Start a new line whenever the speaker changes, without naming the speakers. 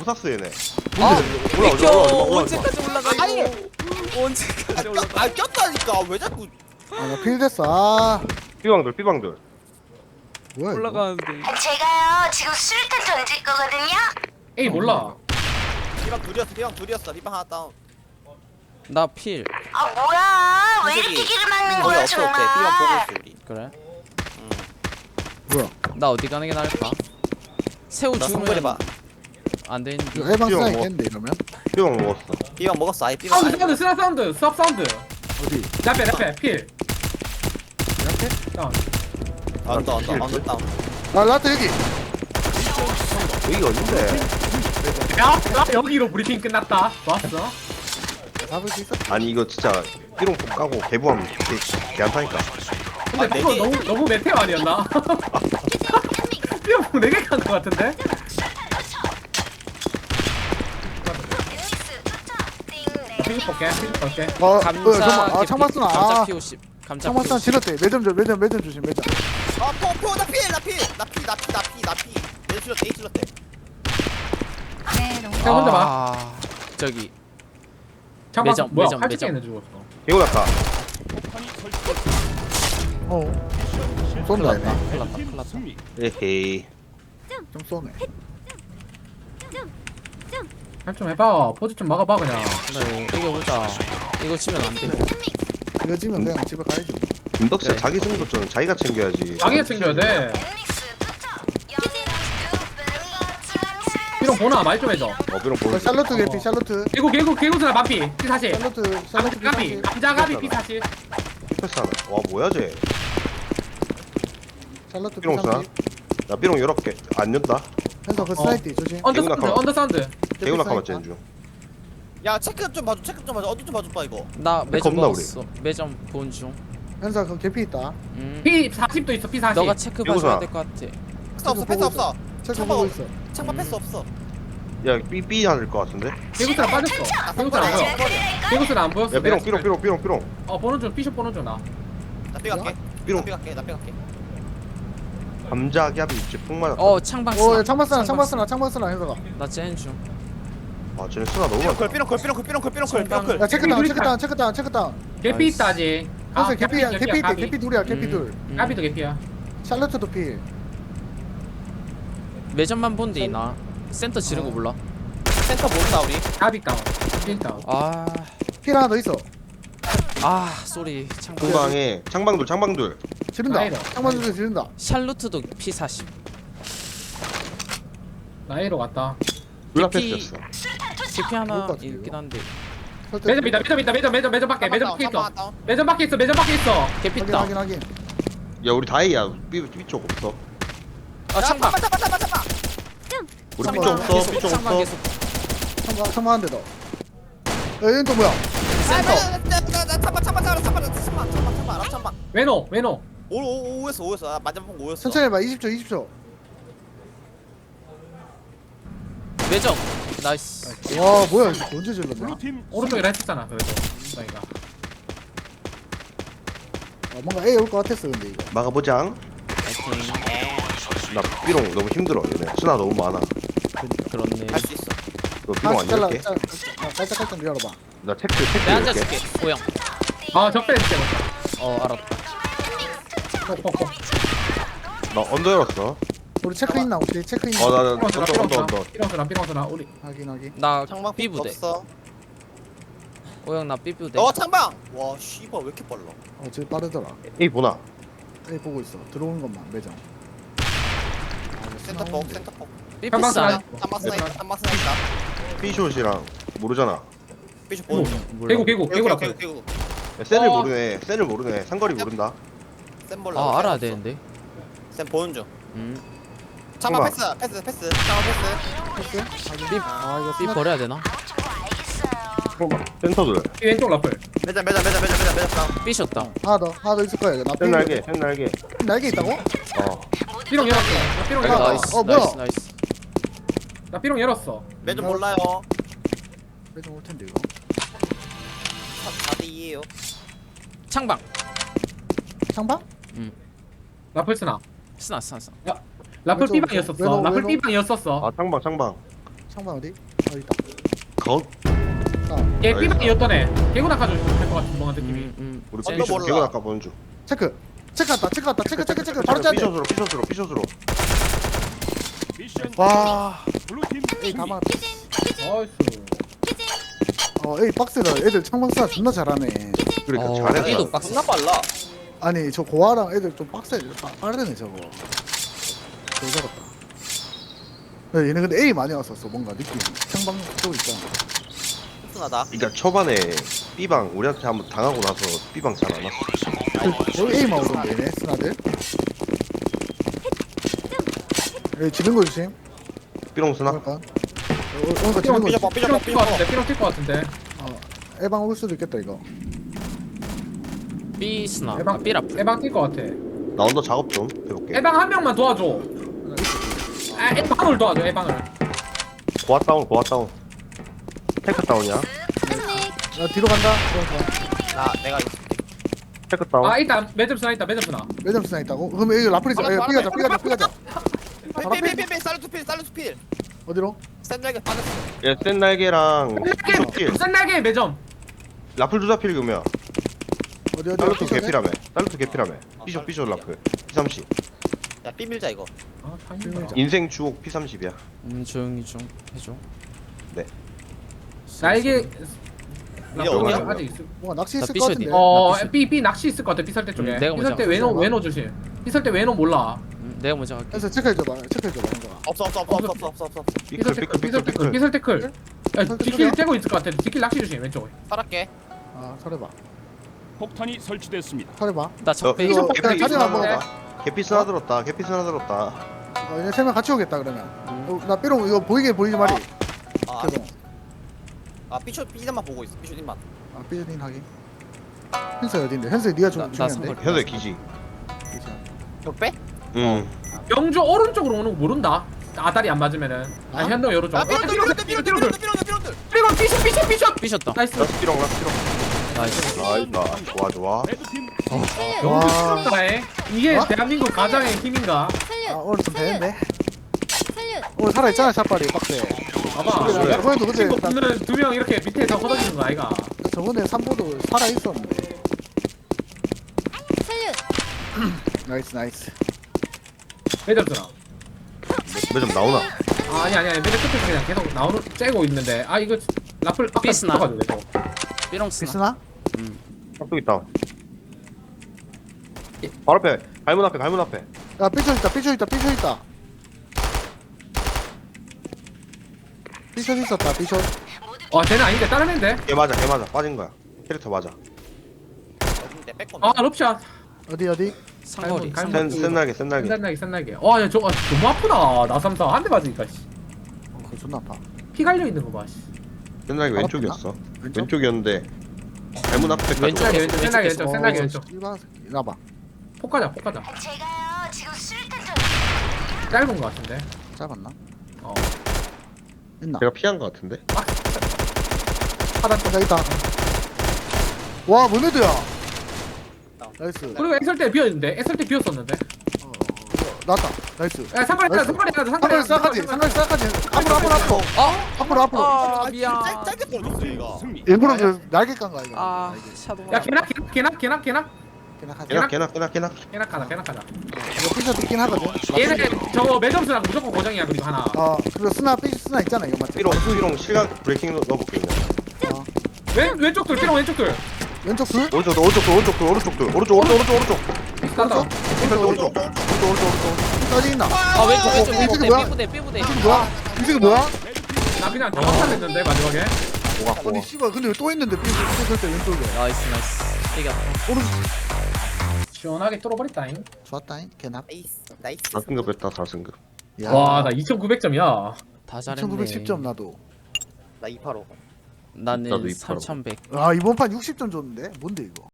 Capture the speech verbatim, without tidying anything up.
부사스 얘네.
아
올라와,
비켜.
올라와, 올라와, 올라와.
언제까지 올라가
아니.
이거. 언제까지 올라가.
아 꼈다니까 왜 자꾸
아나 필 됐어. 아
삐방들 삐방들.
뭐야 이거?
올라가는데.
제가요 지금 수류탄 던질 거거든요.
에이 몰라.
비방 둘이었어 비방 둘이었어 비방 하나 다운
나 필.
아 뭐야? 왜
선생님,
이렇게 길을 막는
거의
거야
없어 없대 비방 보고
정말?
있어 우리
그래?
뭐야?
나 어디 가는 게 나을까? 새우
나
주면
성별해봐
안 되는데.
이거 해방
삐용
쓰나
뭐.
있겠는데 이러면?
삐방 먹었어.
비방 먹었어 아예 비방
사운드
아예
사운드 스나 사운드 수압 사운드.
어디?
라페 라페 필.
이렇게?
다운.
언더 언더 언더 다운
아 라트 여기.
여기가 어딘데?
야, 야 여기로 브리핑 끝났다. 좋았어.
잡을 수 있어?
아니 이거 진짜 삐롱 까고 개부하면 개, 개안타니까.
근데
아, 네
그거
개.
너무 너무 메테오 아니었나? 삐용 네개 간 거 같은데? 피닉 볼게 피닉 볼게.
어, 어
감자
잠깐만. 아
개피,
창만 쓰나?
감자
아
피오십. 감자
창만 쓰나
피오십.
질렀대. 매점 좀 매점 매점 조심 매점.
아포포나필나필나필나필나필 내 질렀대 이 질렀대
자 혼자 봐.
아, 저기
잠깐
매점,
뭐야
매점,
칼집게
매점.
있는 죽었어.
개고 났다.
어. 좀
큰일
쏜다
났다.
얘네.
큰일 났다. 큰일 났다.
에헤이.
좀 쏘네.
할좀 해봐. 포즈 좀 막아봐 그냥.
그래 이겨보자. 이거 치면 안 돼.
이거 지면 그냥 집에 가야지.
김덕재
그래.
자기 승부 좀 자기가 챙겨야지.
자기가 챙겨야 돼. 삐용 보나 말 좀 해줘.
어 삐롱
어,
보여.
샬로트 개피 샬로트.
개구 개구 개구스나 반피 피 사십.
샬로트 샬로트
가비 감자가비 피 사십.
패스 하나. 와 뭐야 쟤.
샬로트
삐롱 쓰나? 나 삐롱 여러 개안 연다.
현서 그 스나이트 조심.
언더
개구나
사운드
가봐.
언더 사운드.
개구나 카마 쟤는 중.
야 체크 좀 봐줘 체크 좀 봐줘 어디 좀 봐줘봐 이거
나 매점
겁나
먹었어. 매점 본 중.
현서 그 개피 있다.
음.
피 사십도 있어 피 사십.
너가 체크
이거잖아.
봐줘야 될 것 같아.
패스 없어 패스 없어
체크
참아.
보고 있어.
창파 패스 없어
야 삐삐 하는 것 같은데.
개구스나 빠졌어. 개구스나 안 보여. 개구스나 안 보였어.
야 삐롱
내가
삐롱 삐롱 삐롱 삐롱.
어 보는 중 피숍 보는 중 나.
나 삐갈게
삐롱.
나 삐갈게 나 삐갈게
감자 갭이 있지 폭 맞았다.
어 창방
오
쓰나.
창만 쓰나 창만 쓰나 창만 쓰나 현서가.
나 쟤는 중.
아 쟤네 수나 너무
삐롱클
많다.
삐롱클 삐롱클 삐롱클 삐롱클 삐롱클
야 체크 다운
우리
체크
다-
다운 체크 다운 체크 다운.
개피 있다 아직.
현서 개피야
개피야,
개피 있대
가비.
개피 둘이야 개피
음,
둘.
음.
까비도 개피야.
샬로트도 필.
매점만 본데 나 센터 지르고 몰라.
센터 모른다 우리
까비 다운. 피 다운.
아,
필 하나 더 있어.
아 쏘리 창방.
공방에 창방돌 창방돌.
지른다.
아이다.
창만 둘이 지른다.
샬루트도 피 사십.
나이로 갔다.
블라
개피.
패스였어.
제피 하나
좋을 것 같은데,
있긴
이거.
한데.
설득.
매점 있다 매점 있다 매점 매점 매점 밖에 매점 밖에 있어. 매점 밖에 있어 매점 밖에 있어.
개피
확인
있다.
확인 확인.
야 우리 다이야. 삐 삐쪽 없어.
아 창방.
잡아 잡아 잡아
우리
창방.
삐쪽 없어.
계속,
삐쪽
창방
없어.
계속.
창만 창만 한 대 더. 야 얘는 또 뭐야?
센터.
참아 참아 참아 참아 참아 참아 참아 참아 참아
외노 외노.
오오오였어 오였어 아 맞아본 거 오였어
천천히 해봐. 이십 초 이십 초.
매점. 나이스.
와 뭐야 이거 언제 질렀냐?
오른쪽이라 했었잖아 그래도. 나이가.
아, 뭔가 A 올 것 같았어 근데 이거.
막아보장.
파이팅.
나 삐롱 너무 힘들어 얘네. 수나 너무 많아.
그렇네.
할 수 있어
너 삐롱 안
하나씩 잘라.
열게.
짤- 아, 깔짝깔짝 열어봐.
나 체크 체크
내가
열게.
앉아줄게. 고영.
아 적배 진짜.
어 알았다.
콕콕콕.
나 언더 열었어.
우리 체크 있나 혹시 체크 있나?
어나나 언더
삐렁스나
언더 언더.
삐렁스나 삐렁스나 삐렁스나 우리.
확인 확인.
나
창방
B 부대.
없어
고영 나 B 부대.
어 창방 와 씨발 왜 이렇게 빨라
어 제일 빠르더라.
에이 보나.
A 보고 있어. 들어오는 것만 매장. 아, 이거
센터폭
스나운데.
센터폭
B
창방
패스 안.
쓰나?
삼방 스나 있다 삼방 스나 있다
삐숏이랑 모르잖아.
삐쇼 보는 중
몰라.
개구 개구 개구라.
개구 개구
야, 센을
어.
모르네. 센을 모르네. 상거리 모른다.
센 볼라
아 알아야 되는데.
센 보는 중
음.
창방
창방.
패스 패스 패스 창방 패스
패스? 확인.
삐-
아 이거
B
스나.
버려야 되나?
센터들.
이 왼쪽 라플.
매점 매점 매점 매점 매점 매점 다운
B 셨다.
하나 더 하나 더 있을 거야 이거. 나
센
삐-
날개. 센 날개.
날개 있다고?
어.
삐롱 열었어. 나 삐롱
아,
열었어.
나이스.
어, 뭐야?
나이스 나이스.
나 삐롱 열었어.
매점 몰라요
매장 올 텐데 이거.
사 대 이에요
창방.
창방?
라플 스나.
스나 스나 스나.
라플
왼쪽,
삐방이었었어.
왼쪽,
라플
왼쪽.
삐방이었었어.
아 창방 창방.
창방 어디? 어 있다.
거
아,
얘 삐방이었던 애 개구 낚아주면 될것 같은 뭔가 느낌이.
음, 음.
우리
언더
삐쇼
몰라.
개고 낚아 보는 중.
체크. 체크 왔다. 체크 왔다. 체크 체크 체크. 바로 짜야 돼.
삐쇼스로 삐쇼스로 삐쇼스로.
와. 에이 가만.
나이스.
어 에이 박스라 애들 창방 쏴 존나 잘하네.
그러니까
어,
잘했다.
삐도 박스.
존나 빨라.
아니 저 고아랑 애들 좀 빡세 빠- 빠르네 저거. 잘 잡았다. 야, 얘네 근데 A 많이 왔었어 뭔가 느낌. 창방 쪽 있잖아.
튼튼하다.
그러니까 초반에 B방 우리한테 한번 당하고 나서 B방 잘 안 왔어.
여기 A만 오던데 얘네 스나들. 여기 지는 거 조심.
B롱 쓰나?
그러니까. 어, 그러니까 지는 거
삐져봐
조심.
삐져봐
삐롱 뛸것 같은데.
삐져봐.
삐롱 뛸것 같은데.
어 에방 올 수도 있겠다 이거.
B 스나. 아,
에방
B 랍.
에방 뛸것 같아.
나 언더 작업 좀 해볼게.
에방 한 명만 도와줘. 아 에방을 도와줘 에방을.
고아 다운 고아 다운. 테크 다운이야.
나 뒤로 간다. 그러니까.
나 내가
테크 다운.
아 있다 매점 스나 있다 매점 스나.
매점 스나 있다고? 그럼 여기 라프리
바로,
야
바로,
삐가자
바로,
삐가자
바로,
삐가자. 바로 앞에?
삐삐삐삐 살루트 필 살루트 필.
어디로?
샌드라이게 빠졌어.
얘 센 날개랑 삐쇼 필.
쌀날개 쌀날개 매점.
라플 두자 필 금이야.
어디 어디
딸루트
어디?
개피라며. 딸루트 개피라며. 삐쇼 삐쇼 라플. 피 삼십.
야 삐밀자 이거.
아 타이밍.
인생 주옥 피 삼십이야.
음 조용히 좀 해줘.
네.
날개.
이제
어디야?
아직 아직 있어.
뭔가 낚시
나
있을 것
삐셔디.
같은데.
어,
낚시.
B B 낚시 있을 것 같아. 비설대 쪽에.
음, 내가 먼저
비설대
할게.
외노 외노 조심. 비설대 외노 몰라.
음, 내가 먼저 할게.
그래서 체크해줘봐 체크해줘봐 현정아.
없어 없어 없어 없어 없어 없어 없어.
삐클 삐클 삐클 삐클.
비설 태클. 야,
비설
뒷길
태클이야?
째고 있을 것 같아. 뒷길 낚시 조심 왼쪽에.
살았게.
아 설해봐
폭탄이 설치됐습니다.
설해봐.
나
어,
적배.
이거
개피
그냥 자리 한번
있어.
먹어봐.
개피 쓰나 들었다. 개피 쓰나 들었다.
어, 얘네 세명 같이 오겠다 그러면. 어, 나 삐롱 이거 보이게 보이지 말이.
아,
죄송.
아 삐쇼 삐만 보고 있어. 삐쇼 삐만.
아 삐진 하기. 현수 어딘데? 현수 네가
나-
좀
나
중요한데.
선물.
현재 기지.
격배?
응.
영주 오른쪽으로 오는 거 모른다. 아다리 안 맞으면은. 아,
아?
현동 오른쪽.
아 삐롱들 삐롱들 삐롱들 삐롱들 삐롱들 삐롱들.
그리고 삐셔 삐셔 삐셔.
삐셨다.
나이스.
라스 삐롱 라스 삐롱.
나이스.
나이스. 좋아 좋아.
레드팀
영주
와.
스타에 이게
어?
대한민국 가장의 힘인가?
아 오늘 좀 되는데. 오늘 살아 있잖아 샷발이 빡세.
봐봐.
그래.
저번에도 근데
친구
나-
붙는 두 명 이렇게 밑에서 걷어지는 거 아이가?
저번에 삼보도 살아 있었는데. 나이스 나이스.
매점스나.
매점 나오나?
아, 아니 아니 아니 매점 끝에서 그냥 계속 나오는 째고 있는데 아 이거 라플 아까
삐스나.
붙어가지고 계속.
삐롱 스나.
비스나?
깍두기 있다. 바로 앞에. 갈문 앞에 갈문 앞에.
야 삐쳐 있다 삐쳐 있다 삐쳐 있다. 삐쳐 있었다 삐쳐.
아 쟤는 아닌데 다른 애인데?
걔 맞아 걔 맞아 빠진 거야. 캐릭터 맞아.
어딘데 뺏고.
아 럽샷.
어디 어디?
상거리.
갈문,
센,
상거리.
센 날개 센 날개.
센날개 센날개. 와야 저거 너무 아프다. 나삼사 한 대 맞으니까 씨.
어 그거 존나 아파.
피 갈려 있는 거 봐. 씨.
센 날개
바로
왼쪽이었어.
왼쪽?
왼쪽이었는데 갈문 앞에까지.
왼쪽에
올라갔어.
왼쪽, 센날개 왼쪽, 센날개 왼쪽.
이봐 이나봐.
폭가자, 폭가자.
제가요 지금 수류탄 전
짧은 거 같은데.
짧았나?
어.
있나?
제가 피한 거 같은데.
하단
아, 있다. 와, 뭐네드야. 나이스.
그리고 애설 때 비었는데, 애설 때 비었었는데.
어, 나왔다. 나이스.
야, 상거리
나이스.
상거리 상거리
상거리 싸가지. 상거리 싸가지. 앞으로 앞으로 앞으로.
어?
앞으로 앞으로.
아
아
미안.
짧 짧게 떨어졌어 얘가.
승리.
일부러 그 날개 깐 거야 이거.
아 샤도.
야, 개낙 개낙 개낙 개낙 개낙
그냥 하자.
개나 개나 개나 개나.
개낙 하자, 개낙 하자.
이거 피셔 있긴 하거든.
얘네 저거 매점수랑 무조건 고정이야 그리고 하나.
어, 그리고 스나 삐 스나 있잖아 이거 맞지?
삐롱 삐롱 실각 브레이킹 넣어볼게 그냥.
어,
왼 왼쪽 둘, 삐롱 왼쪽 둘.
왼쪽 둘.
오른쪽 오른쪽 오른쪽 오른쪽 오른쪽 오른쪽 오른쪽 오른쪽 오른쪽.
간다.
오른쪽 오른쪽 오른쪽 오른쪽 오른쪽.
어디 있나?
아 왼쪽 왼쪽
어, 이쪽이
삐부대
뭐야?
삐부대 삐부대.
이게 뭐야? 이게 뭐야?
나 그냥 다 막았는데 마지막에.
뭐가 뭐가.
아니 씨발 근데 왜 또 있는데 삐 삐- 삐- 왼쪽에.
나이스 나이스. 이겼다.
오른쪽.
시원하게 뚫어버렸다잉.
좋았다잉. 개납.
나이스 나이스.
사 승급 했다 사 승급.
와, 나 이천구백 점이야.
다 잘했네.
천구백십 점 나도.
나 이팔오.
나도
나는
이팔.
삼천백.
아 이번 판 육십 점 줬는데 뭔데 이거?